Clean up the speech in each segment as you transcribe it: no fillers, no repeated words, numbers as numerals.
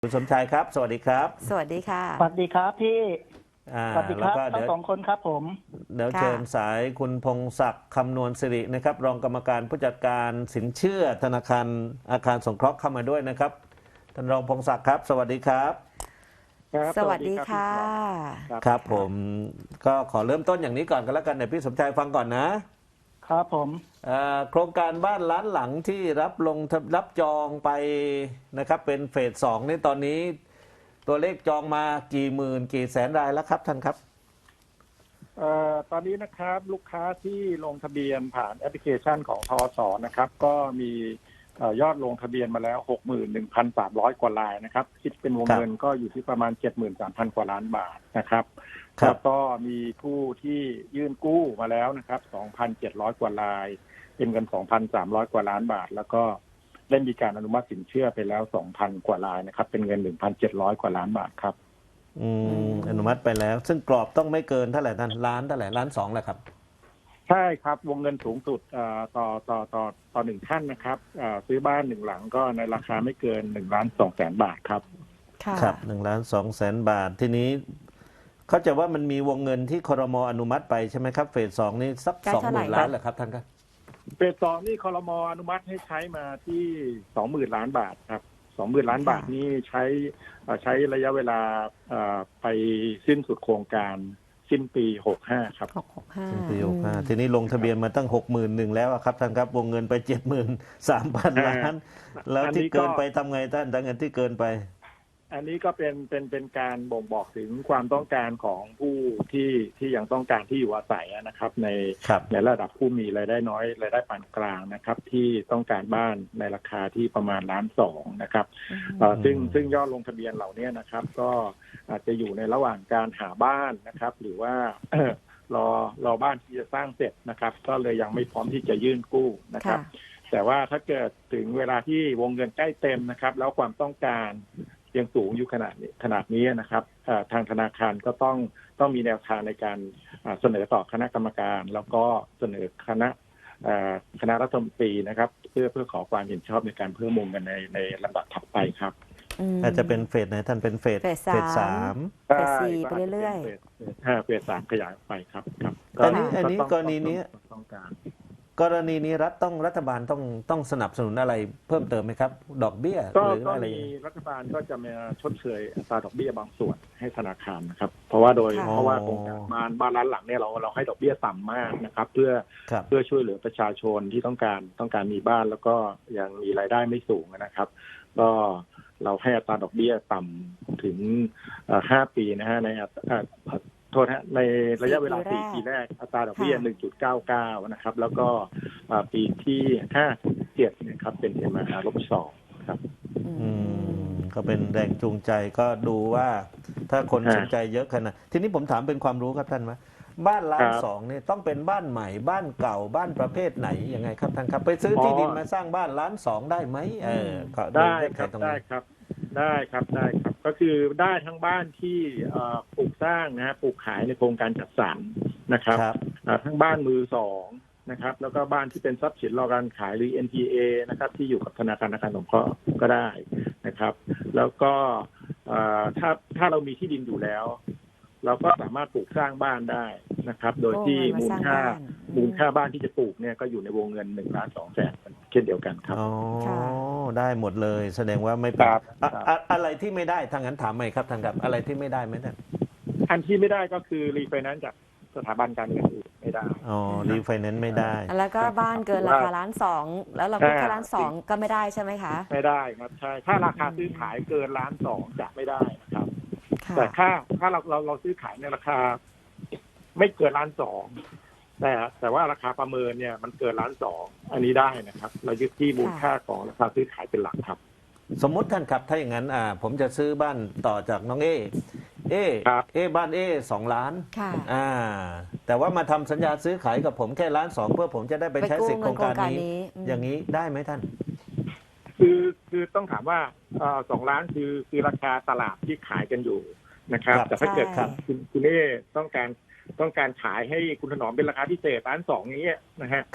คุณสมชายครับสวัสดีครับสวัสดีค่ะสวัสดีครับพี่สวัสดีคแล้วรับก็ทั้งสองคนครับผมเดี๋ยวค่ะเชิญสายคุณพงศักดิ์คำนวณสิรินะครับรองกรรมการผู้จัดการสินเชื่อธนาคารอาคารสงเคราะห์เข้ามาด้วยนะครับท่านรองพงศักดิ์ครับสวัสดีครับครับสวัสดีครับพี่ค่ะถนอมครับครับผมก็ขอเริ่มต้นอย่างนี้ก่อนกันแล้วกันเดี๋ยวพี่สมชายฟังก่อนนะครับผมโครงการบ้านล้านหลังที่รับจองไปนะครับเป็นเฟสสองนี่ตอนนี้ตัวเลขจองมากี่หมื่นกี่แสนรายแล้วครับท่านครับตอนนี้นะครับลูกค้าที่ลงทะเบียนผ่านแอปพลิเคชันของทอสนะครับก็มียอดลงทะเบียนมาแล้ว 61,300 กว่ารายนะครับคิดเป็นวงเงินก็อยู่ที่ประมาณ 73,000 กว่าล้านบาทนะครับแล้วก็มีผู้ที่ยื่นกู้มาแล้วนะครับ 2,700 กว่ารายเป็นเงิน 2,300 กว่าล้านบาทแล้วก็ได้มีการอนุมัติสินเชื่อไปแล้ว 2,000 กว่ารายนะครับเป็นเงิน 1,700 กว่าล้านบาทครับอนุมัติไปแล้วซึ่งกรอบต้องไม่เกินเท่าไหร่ท่านล้านเท่าไหร่ล้านสองแหละครับใช่ครับวงเงินสูงสุดต่อหนึ่งท่านนะครับซื้อบ้านหนึ่งหลังก็ในราคาไม่เกิน1,200,000 บาทครับครับ1,200,000 บาททีนี้เขาจะว่ามันมีวงเงินที่ครม.อนุมัติไปใช่ไหมครับเฟสสองนี่สัก20,000 ล้านเหรอครับท่านครับเฟสสองนี่ครม.อนุมัติให้ใช้มาที่ 20,000 ล้านบาทครับ20,000 ล้านบาทนี่ใช้ระยะเวลาไปสิ้นสุดโครงการสิ้นปี65ครับสิ้นปี65ทีนี้ลงทะเบียนมาตั้ง61,000แล้วครับท่านครับวงเงินไป73,000 ล้านแล้วที่เกินไปทำไงท่านทั้งเงินที่เกินไปอันนี้ก็เป็นการบ่งบอกถึงความต้องการของผู้ที่ยังต้องการที่อยู่อาศัยนะครับในระดับผู้มีรายได้น้อยรายได้ปานกลางนะครับที่ต้องการบ้านในราคาที่ประมาณ1,200,000นะครับซึ่งยอดลงทะเบียนเหล่านี้นะครับก็อาจจะอยู่ในระหว่างการหาบ้านนะครับหรือว่ารอบ้านที่จะสร้างเสร็จนะครับก็เลยยังไม่พร้อมที่จะยื่นกู้นะครับแต่ว่าถ้าเกิดถึงเวลาที่วงเงินใกล้เต็มนะครับแล้วความต้องการยังสูงอยู่ขนาดนี้นะครับทางธนาคารก็ต้องมีแนวทางในการเสนอต่อคณะกรรมการแล้วก็เสนอคณะรัฐมนตรีนะครับเพื่อขอความเห็นชอบในการเพิ่มวงเงินในลำดับถัดไปครับอาจจะเป็นเฟสไหนท่านเป็นเฟส3 เฟส4ไปเรื่อยๆเฟส3ขยายไปครับอันนี้กรณีนี้ต้องการกรณีนี้รัฐบาลต้องสนับสนุนอะไรเพิ่มเติมไหมครับดอกเบี้ยหรืออะไรรัฐบาลก็จะมาชดเชยอัตราดอกเบี้ยบางส่วนให้ธนาคารนะครับเพราะว่าโครงการบ้านล้านหลังเนี่ยเราให้ดอกเบี้ยต่ำมากนะครับเพื่อช่วยเหลือประชาชนที่ต้องการมีบ้านแล้วก็ยังมีรายได้ไม่สูงนะครับก็เราให้อัตราดอกเบี้ยต่ำถึง5 ปีนะฮะในระยะเวลา4 ปีแรกอัตราดอกเบี้ย 1.99 นะครับแล้วก็ปีที่5 7นะครับเป็น MR-2 ครับก็เป็นแรงจูงใจก็ดูว่าถ้าคนสนใจเยอะขนาดทีนี้ผมถามเป็นความรู้ครับท่านว่าบ้าน1,200,000เนี่ยต้องเป็นบ้านใหม่บ้านเก่าบ้านประเภทไหนยังไงครับท่านครับไปซื้อที่ดินมาสร้างบ้าน1,200,000ได้ไหมได้ครับได้ครับก็คือได้ทั้งบ้านที่ปลูกสร้างนะฮะปลูกขายในโครงการจัดสรรนะครับทั้งบ้านมือสองนะครับแล้วก็บ้านที่เป็นทรัพย์สินรอการขายหรือ NPA นะครับที่อยู่กับธนาคารสงเคราะห์ก็ได้นะครับแล้วก็ถ้าเรามีที่ดินอยู่แล้วเราก็สามารถปลูกสร้างบ้านได้นะครับโดยที่มูลค่าบ้านที่จะปลูกเนี่ยก็อยู่ในวงเงิน1,200,000เช่นเดียวกันครับได้หมดเลยแสดงว่าไม่เป็นอะไรที่ไม่ได้ทางนั้นถามไหมครับทางกับอะไรที่ไม่ได้ไหมท่านอันที่ไม่ได้ก็คือรีไฟแนนซ์จากสถาบันการเงินอื่นไม่ได้รีไฟแนนซ์ไม่ได้แล้วก็บ้านเกินราคา1,200,000แล้วเราก็แค่1,200,000ก็ไม่ได้ใช่ไหมคะไม่ได้ครับใช่ถ้าราคาซื้อขายเกิน1,200,000จะไม่ได้นะครับแต่ถ้าเราซื้อขายในราคาไม่เกิน1,200,000แต่ว่าราคาประเมินเนี่ยมันเกิน1,200,000อันนี้ได้นะครับเรายึดที่มูลค่าของราคาซื้อขายเป็นหลักครับสมมุติท่านครับถ้าอย่างนั้นผมจะซื้อบ้านต่อจากน้องบ้าน2 ล้านแต่ว่ามาทำสัญญาซื้อขายกับผมแค่1,200,000เพื่อผมจะได้ไปใช้สิทธิโครงการนี้อย่างนี้ได้ไหมท่านคือต้องถามว่า2 ล้านคือราคาตลาดที่ขายกันอยู่นะครับแต่ถ้าเกิดคุณต้องการขายให้คุณถนอมเป็นราคาพิเศษ1,200,000นี้นะฮะ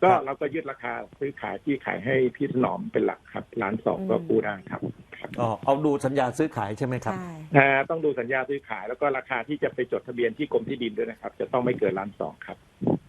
ก็ครับเราก็ยึดราคาซื้อขายที่ขายให้พี่ถนอมเป็นหลักครับ1,200,000ก็กู้ได้ครับอ๋อเอาดูสัญญาซื้อขายใช่ไหมครับใช่ต้องดูสัญญาซื้อขายแล้วก็ราคาที่จะไปจดทะเบียนที่กรมที่ดินด้วยนะครับ จะต้องไม่เกิน1,200,000ครับ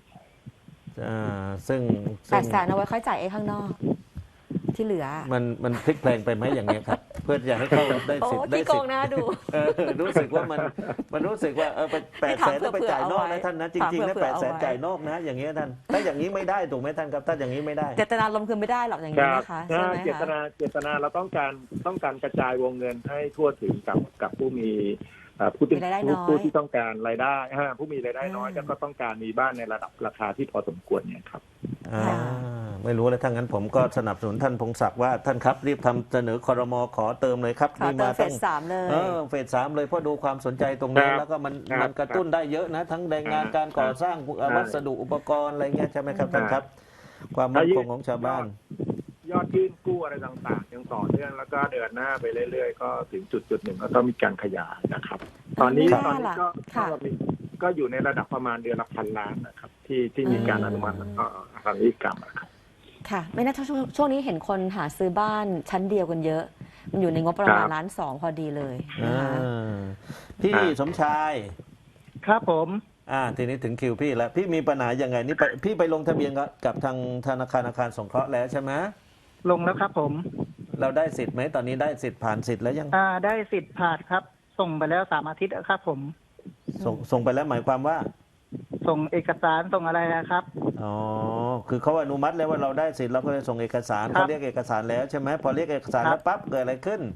ซึ่ง 800,000เอาไว้ค่อยจ่ายข้างนอก ที่เหลือมันพลิกแพลงไปไหมอย่างเงี้ยครับ เพื่ออยากให้เขาได้โอ้สิทธิ์ได้ที่โกสิทงธิ์นะดูรู้สึกว่ามันรู้สึกว่าไป800,000แล้วไปจ่ายนอกนะท่านนะจริงๆนะ800,000จ่ายนอกนะอย่างเงี้ยท่านถ้าอย่างนี้ไม่ได้ถูกไหมท่านครับถ้าอย่างนี้ไม่ได้เจตนาลมณ์คือไม่ได้หรอกอย่างนี้นะคะใช่ไหมเจตคะนาเราต้องการกระจายวงเงินให้ทั่วถึงกับผู้มีผู้ที่มีรายได้น้อยผู้ที่ต้องการรายได้ผู้มีรายได้น้อยแล้วก็ต้องการมีบ้านในระดับราคาที่พอสมควรเนี่ยครับไม่รู้เลยถ้างั้นผมก็สนับสนุนท่านพงศักดิ์ว่าท่านครับรีบทำเสนอครม.ขอเติมเลยครับขอเติมเฟส 3เลยเฟส 3เลยเพราะดูความสนใจตรงนี้ครับแล้วก็มันครับมันกระตุ้นได้เยอะนะ ทั้งแรงงานการก่อสร้างครับวัสดุอุปกรณ์อะไรเงี้ยใช่ไหมครับท่านครับ ความมั่นคงของชาวบ้านยอดยื่นกู้อะไรต่างๆยังต่อเนื่องแล้วก็เดินหน้าไปเรื่อยๆก็ถึงจุดหนึ่งก็ต้องมีการขยายนะครับ ตอนนี้ครับ ค่ะก็อยู่ในระดับประมาณเดือนละ1,000 ล้านนะครับ ที่มีการอนุมัติทางนิติกรรมนะครับค่ะ ไม่น่าช่วงนี้เห็นคนหาซื้อบ้านชั้นเดียวกันเยอะ มันอยู่ในงบประมาณครับ 1,200,000พอดีเลยนะคะพี่สมชายครับผมทีนี้ถึงคิวพี่แล้วพี่มีปัญหายังไงนี่พี่ไปลงทะเบียนกับทางธนาคารอาคารสงเคราะห์แล้วใช่ไหมลงแล้วครับผมเราได้สิทธิ์ไหมตอนนี้ได้สิทธิ์ผ่านสิทธิ์แล้วยังได้สิทธิ์ผ่านครับ ส่งไปแล้ว3 อาทิตย์แล้วครับผมส่งไปแล้วหมายความว่าส่งเอกสารส่งอะไรนะครับอ๋อ คือเขาอนุมัติแล้วว่าเราได้สิทธิ์เราก็เลยส่งเอกสารครับเขาเรียกเอกสารแล้วใช่ไหมพอเรียกเอกสารครับแล้วปั๊บเกิดอะไรขึ้น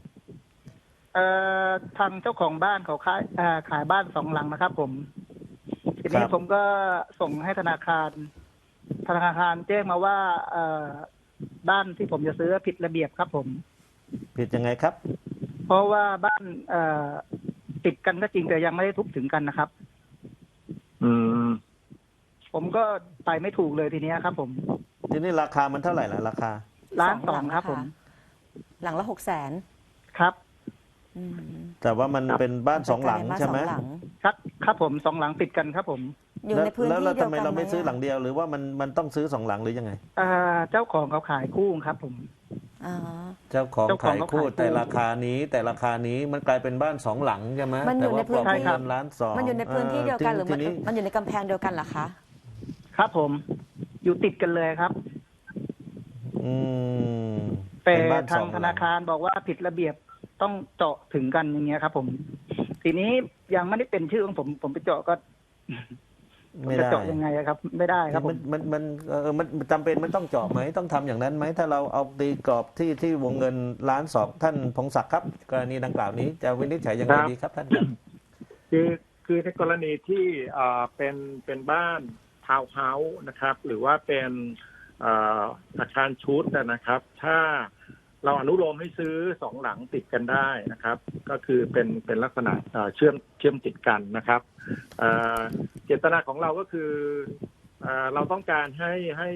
ทางเจ้าของบ้านเขาขายบ้าน2 หลังนะครับผม ทีนี้ครับผมก็ส่งให้ธนาคารแจ้งมาว่าบ้านที่ผมจะซื้อผิดระเบียบครับผมผิดยังไงครับเพราะว่าบ้านติดกันก็จริงแต่ยังไม่ได้ทุบถึงกันนะครับอืมผมก็ไปไม่ถูกเลยทีเนี้ยครับผมทีนี้ราคามันเท่าไหร่ล่ะราคา 1,200,000ครับผมหลังละ600,000 ครับแต่ว่ามันครับเป็นบ้านสองหลังใช่ไหมบ้านสองลังครับผม2 หลังติดกันครับผมอยู่ในพื้นแล้วที่แล้วเดียวทำไมกันเราไม่ซื้อหลังไหมเดียวหรือว่ามันต้องซื้อ2 หลังหรือยังไงเจ้าของเขาขายคู่ครับผมอ๋อเจ้าของเจ้าของขายเขาคู่ขายคู่แต่ราคานี้มันกลายเป็นบ้าน2 หลังใช่ไหมมันอยู่แต่ว่าในพื้นที่ปลอกเงิน1,200,000 มันอยู่ในพื้นที่เดียวกันหรือทีนี้มันอยู่ในกำแพงเดียวกันเหรอคะครับผม อยู่ติดกันเลยครับอืมแต่เป็นบ้านทาง 2 ธหลันาง คารบอกว่าผิดระเบียบต้องเจาะถึงกันอย่างเงี้ยครับผม ทีนี้ยังไม่ได้เป็นชื่อของผมไปเจาะก็ไม่จะได้เจาะยังไงอะครับ ไม่ได้ครับผมมันจำเป็นมันต้องเจาะไหมต้องทำอย่างนั้นไหมถ้าเราเอาตีกรอบที่วงเงิน1,200,000ท่านพงศักดิ์ครับกรณีดังกล่าวนี้จะวินิจฉัยยังไงดีครับท่านครับคือในกรณีที่เป็นบ้านทาวน์เฮาส์นะครับ หรือว่าเป็นอาคารชุดนะครับ ถ้าเราอนุโลมให้ซื้อ2 หลังติดกันได้นะครับ ก็คือเป็นลักษณะเชื่อมติดกันนะครับเจตนาของเราก็คือเราต้องการให้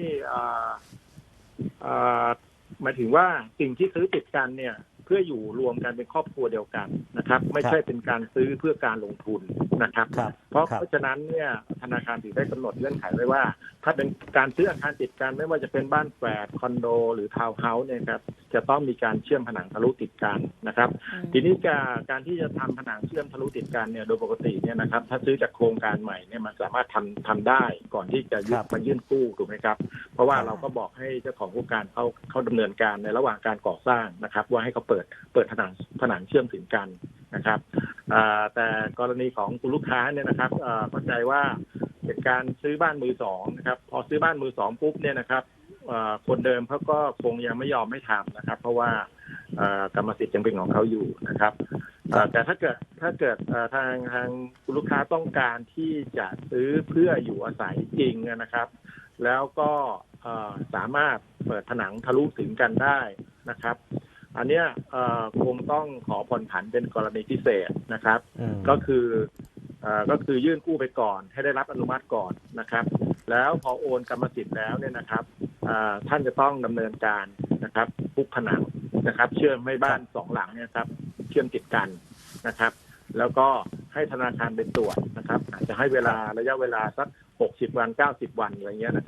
หมายถึงว่าสิ่งที่ซื้อติดกันเนี่ยเพื่ออยู่รวมกันเป็นครอบครัวเดียวกันนะครับ ไม่ใช่เป็นการซื้อเพื่อการลงทุนนะครับครับเพราะครับฉะนั้นเนี่ยธนาคารถึงได้กำหนดเงื่อนไขไว้ว่า ถ้าเป็นการซื้ออาคารติดกันไม่ว่าจะเป็นบ้านแฝดคอนโดหรือทาวน์เฮาส์เนี่ยครับจะต้องมีการเชื่อมผนังทะลุติดกันนะครับ ทีนี้การที่จะทำผนังเชื่อมทะลุติดกันเนี่ยโดยปกติเนี่ยนะครับถ้าซื้อจากโครงการใหม่เนี่ยมันสามารถทำได้ก่อนที่จะยื่นกู้ถูกไหมครับเพราะว่าเราก็บอกให้เจ้าของโครงการเขาดำเนินการในระหว่างการก่อสร้างนะครับว่าให้เขาเปิดผนังเชื่อมถึงกันนะครับแต่กรณีของคุณลูกค้าเนี่ยนะครับเข้าใจว่าเป็นการซื้อบ้านมือสองนะครับพอซื้อบ้านมือสองปุ๊บเนี่ยนะครับคนเดิมเขาก็คงยังไม่ยอมไม่ทำนะครับ เพราะว่ากรรมสิทธิ์ยังเป็นของเขาอยู่นะครับแต่ถ้าเกิดทางคุณลูกค้าต้องการที่จะซื้อเพื่ออยู่อาศัยจริงนะครับ แล้วก็สามารถเปิดผนังทะลุถึงกันได้นะครับ อันเนี้ยคงต้องขอผ่อนผันเป็นกรณีพิเศษนะครับ ก็คือยื่นกู้ไปก่อนให้ได้รับอนุมัติก่อนนะครับ แล้วพอโอนกรรมสิทธิ์แล้วเนี่ยนะครับท่านจะต้องดำเนินการนะครับปุ๊บผนังนะครับ เชื่อมให้บ้าน2 หลังเนี่ยครับเชื่อมติดกันนะครับ แล้วก็ให้ธนาคารเป็นตรวจนะครับอาจจะให้ระยะเวลาสัก60 วัน90 วันอะไรเงี้ยนะครับ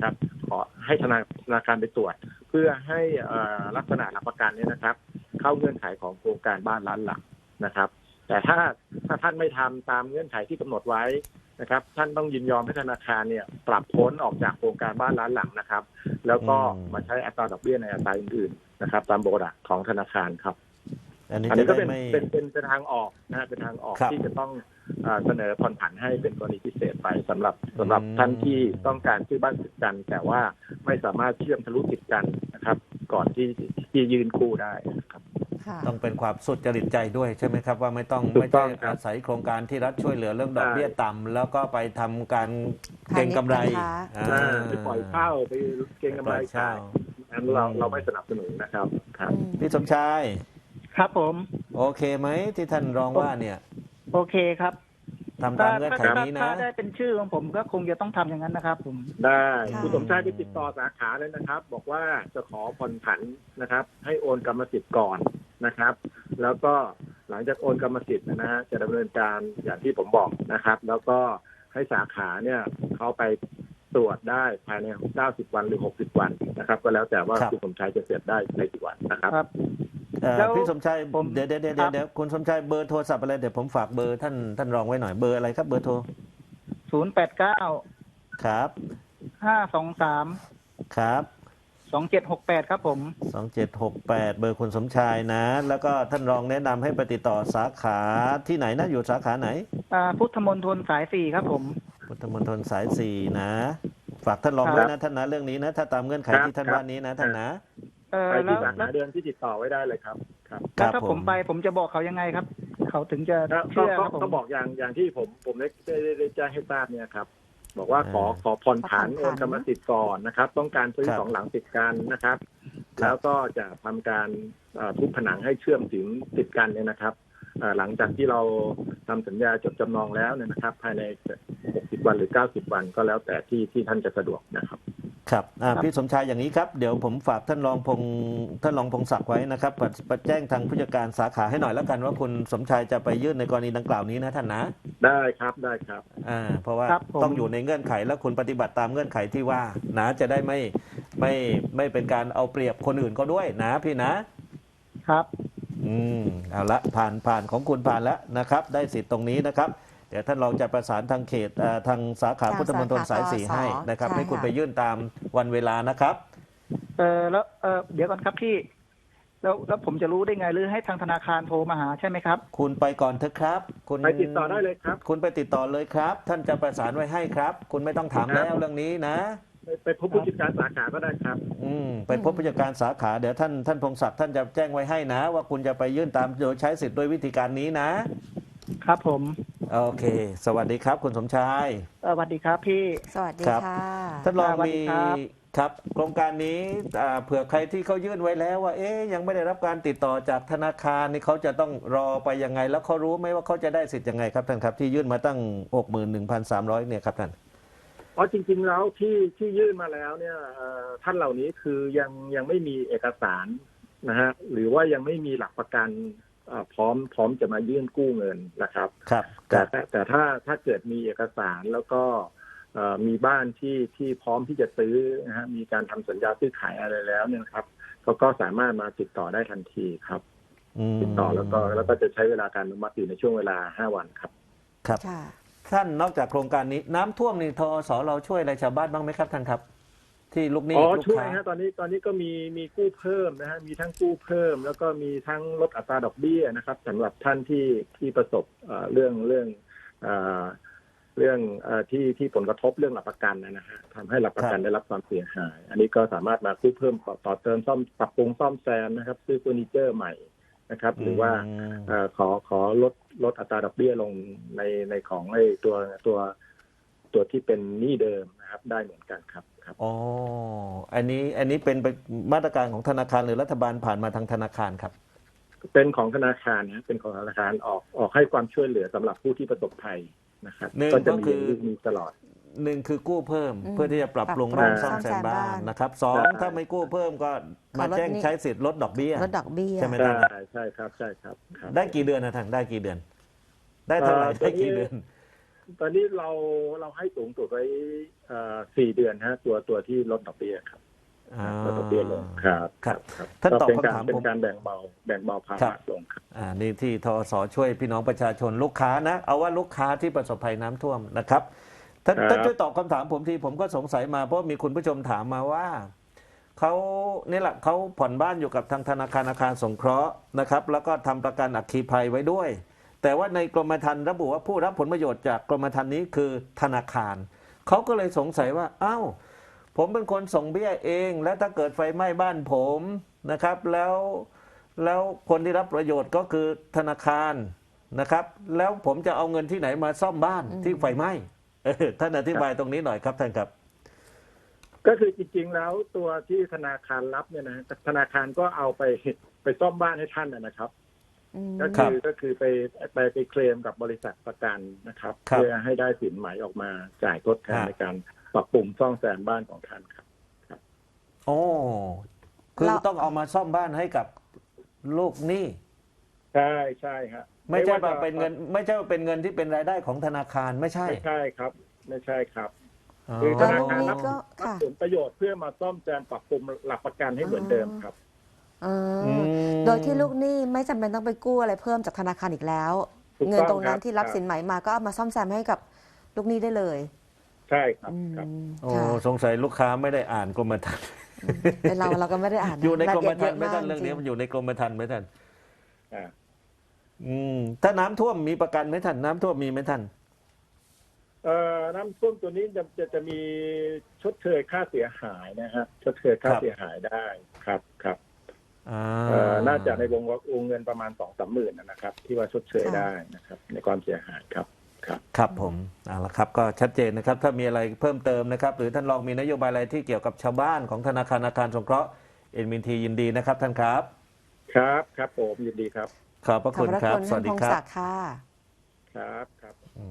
ขอให้ธนาคารไปตรวจ เพื่อให้ลักษณะหลักประกันเนี่ยนะครับ เข้าเงื่อนไขของโครงการบ้านล้านหลังนะครับ แต่ถ้าท่านไม่ทำตามเงื่อนไขที่กำหนดไว้นะครับ ท่านต้องยินยอมให้ธนาคารเนี่ยปรับพ้นออกจากโครงการบ้านล้านหลังนะครับ แล้วก็มาใช้อัตราดอกเบี้ยในอัตราอื่นๆนะครับ ตามบริษัทของธนาคารครับอันนี้อันจะนี้ก็ได้เป็นไม่เป็นทางออกนะเป็นทางออกครับที่จะต้องเสนอผ่อนผันให้เป็นกรณีพิเศษไปสำหรับท่านที่ต้องการซื้อบ้านติดกัน แต่ว่าไม่สามารถเชื่อมทะลุติดกันนะครับ ก่อนที่ยืนกู้ได้นะครับค่ะต้องเป็นความสุจริตใจด้วยใช่ไหมครับว่าไม่ต้องถูไม่กต้ใช่องครับอาศัยโครงการที่รัฐช่วยเหลือเรื่องดอกใช่เบี้ยต่ำแล้วก็ไปทำการเก็งกำไรไปปล่อยเช่าไปเก็งกำไรปล่อยเช่าขายอันเราไม่สนับสนุนนะครับครับพี่สมชายครับผมโอเคไหมที่ท่านรองว่าเนี่ยโอเคครับทำตามเงื่อนไขนี้นะถ้าได้เป็นชื่อของผมก็คงจะต้องทำอย่างนั้นนะครับผมได้ค่ะคุณสมชายไปติดต่อสาขาเลยนะครับ บอกว่าจะขอผ่อนผันนะครับ ให้โอนกรรมสิทธิ์ก่อนนะครับ แล้วก็หลังจากโอนกรรมสิทธิ์นะฮะจะดำเนินการอย่างที่ผมบอกนะครับ แล้วก็ให้สาขาเนี่ยเขาไปตรวจได้ภายใน90 วันหรือ60 วันนะครับ ก็แล้วแต่ว่าครับคุณสมชายจะเสร็จได้ในกี่วันนะครับครับพี่สมชายผมเดี๋ยวครับเดี๋ยวคุณสมชายเบอร์โทรศัพท์อะไรเดี๋ยวผมฝากเบอร์ท่านรองไว้หน่อยเบอร์อะไรครับเบอร์โทร 089 ครับ 523 ครับ 2768 ครับผม 2768 เบอร์คุณสมชายนะ แล้วก็ท่านรองแนะนำให้ไปติดต่อสาขาที่ไหนนะอยู่สาขาไหนพุทธมณฑลสาย 4 ครับผมพุทธมณฑลสาย 4 นะ ฝากท่านรองครับด้วยนะท่านนะเรื่องนี้นะ ถ้าตามเงื่อนไขครับที่ท่านครับว่านี้นะท่านนะไปแล้ที่วสาขาเดือนที่ติดต่อไว้ได้เลยครับครับแล้วถ้าผมไปผมจะบอกเขายังไงครับ เขาถึงจะเชื่อครับผมก็บอกอย่างที่ผมได้แจ้งให้ทราบเนี่ยครับ บอกว่าขอผ่อนผันขอผ่อนผันโอนกรรมสิทธิ์ก่อนนะครับ ต้องการซื้อครับสองหลังติดกันนะครับครับแล้วก็จะทำการทุบผนังให้เชื่อมถึงติดกันเนี่ยนะครับหลังจากที่เราทำสัญญาจดจำนองแล้วเนี่ยนะครับ ภายใน60 วันหรือ90 วันก็แล้วแต่ที่ท่านจะสะดวกนะครับครับครับพี่สมชายอย่างนี้ครับ เดี๋ยวผมฝากท่านรองพงศักดิ์ไว้นะครับแจ้งทางผู้จัดการสาขาให้หน่อยแล้วกันว่าคุณสมชายจะไปยื่นในกรณีดังกล่าวนี้นะท่านนะได้ครับได้ครับเพราะว่าครับผมต้องอยู่ในเงื่อนไขและคุณปฏิบัติตามเงื่อนไขที่ว่านะจะได้ไม่เป็นการเอาเปรียบคนอื่นเขาด้วยนะพี่นะครับ เอาละผ่านของคุณผ่านแล้วนะครับ ได้สิทธิ์ตรงนี้นะครับ เดี๋ยวท่านรองจะประสานทางเขตทางสาขาทางพุทธมณฑลสายสาขา 4ให้นะครับใช่ให้คุณค่ะไปยื่นตามวันเวลานะครับแล้วเดี๋ยวก่อนครับพี่แล้วผมจะรู้ได้ไงหรือให้ทางธนาคารโทรมาหาใช่ไหมครับคุณไปก่อนเถอะครับคุณไปติดต่อได้เลยครับคุณไปติดต่อเลยครับ ท่านจะประสานไว้ให้ครับ คุณไม่ต้องถามแล้วเรื่องนี้นะไปพบผู้จัดการสาขาก็ได้ครับไปพบผู้จัดการสาขาเดี๋ยวท่านพงศักดิ์ท่านจะแจ้งไว้ให้นะ ว่าคุณจะไปยื่นตามโดยใช้สิทธิ์ด้วยวิธีการนี้นะครับผมโอเค สวัสดีครับคุณสมชายสวัสดีครับพี่สวัสดีครับค่ะท่านรองสวัสมีดีครับครับโครงการนี้เผื่อใครที่เขายื่นไว้แล้วว่ายังไม่ได้รับการติดต่อจากธนาคารนี่เขาจะต้องรอไปยังไง แล้วเขารู้ไหมว่าเขาจะได้สิทธิ์ยังไงครับท่านครับที่ยื่นมาตั้ง 61,300 เนี่ยครับท่านเพราะจริงๆแล้วที่ยื่นมาแล้วเนี่ยท่านเหล่านี้คือยังไม่มีเอกสารนะฮะหรือว่ายังไม่มีหลักประกันพร้อมจะมายื่นกู้เงินนะครับครับแต่ถ้าเกิดมีเอกสารแล้วก็มีบ้านที่พร้อมที่จะซื้อนะฮะมีการทำสัญญาซื้อขายอะไรแล้วเนี่ยครับก็สามารถมาติดต่อได้ทันทีครับติดต่อแล้วก็จะใช้เวลาการอนุมัติอยู่ในช่วงเวลา5 วันครับครับค่ะท่านนอกจากโครงการนี้น้ำท่วมนี่ทอสเราช่วยอะไรชาวบ้านบ้างไหมครับท่านครับ ที่ลูกหนี้ลูกช่วยค้าฮะตอนนี้ก็มีกู้เพิ่มนะฮะมีทั้งกู้เพิ่ม แล้วก็มีทั้งลดอัตราดอกเบี้ยนะครับสำหรับท่านที่ประสบเรื่องที่ผลกระทบเรื่องหลักประกันนะฮะทำให้หลักประกันได้รับความเสียหาย อันนี้ก็สามารถมากู้เพิ่มต่อเติมซ่อมปรับปรุงซ่อมแซมนะครับซื้อเฟอร์นิเจอร์ใหม่นะครับ หรือว่าขอลดอัตราดอกเบี้ยลงในของไอ้ตัวที่เป็นหนี้เดิมนะครับได้เหมือนกันครับอ๋ออันนี้เป็นมาตรการของธนาคารหรือรัฐบาลผ่านมาทางธนาคารครับเป็นของธนาคารนะเป็นของธนาคารออกให้ความช่วยเหลือสำหรับผู้ที่ประสบภัยนะครับหนึ่งก็จะก็คือมีตลอดหนึ่งคือกู้เพิ่มอืมเพื่อที่จะปรับปรุงปรับบ้านปรุงซ่อมแซมบ้าซ่อมแซมบ้าน นนะครับสองใช่ถ้าไม่กู้เพิ่มก็มาขอลดแจ้งหนี้ใช้สิทธิ์ลดดอกเบี้ยลดดอกเบี้ยใช่ไหมใช่ครับครับได้กี่เดือนนะท่านได้กี่เดือน ได้เท่าไหร่ตัวได้นี้กี่เดือนตอนนี้เราให้สูงสุดไว้4 เดือนฮะตัวที่ลดดอกเบี้ยครับลดดอกเบี้ยลงครับครับท่านตอบคำถามเป็นผมการแบ่งเบาภาครัระบลงครับนี่ที่ทสช่วยพี่น้องประชาชนลูกค้านะ เอาว่าลูกค้าที่ประสบภัยน้ำท่วมนะครับท่านครับท่านช่วยตอบคำถามผมทีผมก็สงสัยมาเพราะมีคุณผู้ชมถามมาว่าเขานี่แหละเขาผ่อนบ้านอยู่กับทางธนาคารอาคารสงเคราะห์นะครับ แล้วก็ทำประกันอัคคีภัยไว้ด้วย แต่ว่าในกรมธรรม์ระบุว่าผู้รับผลประโยชน์จากกรมธรรม์นี้คือธนาคารเขาก็เลยสงสัยว่าอ้าวผมเป็นคนส่งเบี้ยเอง แล้วถ้าเกิดไฟไหม้บ้านผมนะครับแล้วคนที่รับประโยชน์ก็คือธนาคารนะครับ แล้วผมจะเอาเงินที่ไหนมาซ่อมบ้านที่ไฟไหม้ท่านอธิบายตรงนี้หน่อยครับท่านครับก็คือจริงๆแล้วตัวที่ธนาคารรับเนี่ยนะธนาคารก็เอาไปซ่อมบ้านให้ท่านนะครับ ก็คือไปเคลมกับบริษัทประกันนะครับ เพื่อให้ได้สินไหมออกมาจ่ายทดแทนในการปรับปรุงซ่อมแซมบ้านของท่านครับโอ้คือต้องเอามาซ่อมบ้านให้กับลูกหนี้ใช่ฮะไม่ใช่ว่าเป็นเงิน ไม่ใช่ว่าเป็นเงินที่เป็นรายได้ของธนาคารไม่ใช่ไม่ใช่ครับอ๋อคือธนาคารรับก็ผลประโยชน์เพื่อมาซ่อมแซมปรับปรุงหลักประกันให้เหมือนเดิมครับโดยที่ลูกหนี้ไม่จำเป็นต้องไปกู้อะไรเพิ่มจากธนาคารอีกแล้วถูกต้องเงินตรงนั้นครับที่รับสินไหมมาก็เอามาซ่อมแซมให้กับลูกหนี้ได้เลยใช่ครับโอ้ค่ะสงสัยลูกค้าไม่ได้อ่านกรมธรรม์เป็นเราก็ไม่ได้อ่านอยู่ในกรมละธรเอีรยดม์ไหม่ท่านยะเรื่องนี้จมันอยู่ในกรมธรรม์ไหมท่านอ่าถ้าน้ำท่วมมีประกันไหมท่านน้ำท่วมมีไหมท่านน้ำท่วมตัวนี้จะมีชดเชยค่าเสียหายนะฮะชดเชยค่าเสียหายได้ครับ น่าจะในวงเงินประมาณ 2-3 หมื่นนะครับ ที่ว่าชดเชยได้นะครับในความเสียหายครับครับผมเอาละครับก็ชัดเจนนะครับ ถ้ามีอะไรเพิ่มเติมนะครับ หรือท่านลองมีนโยบายอะไรที่เกี่ยวกับชาวบ้านของธนาคารอาคารสงเคราะห์NMTยินดีนะครับท่านครับครับผมยินดีครับขอบพระขอบคุณพระครับคุณสวัสดีท่านพงครับศักดิ์ค่ะครับ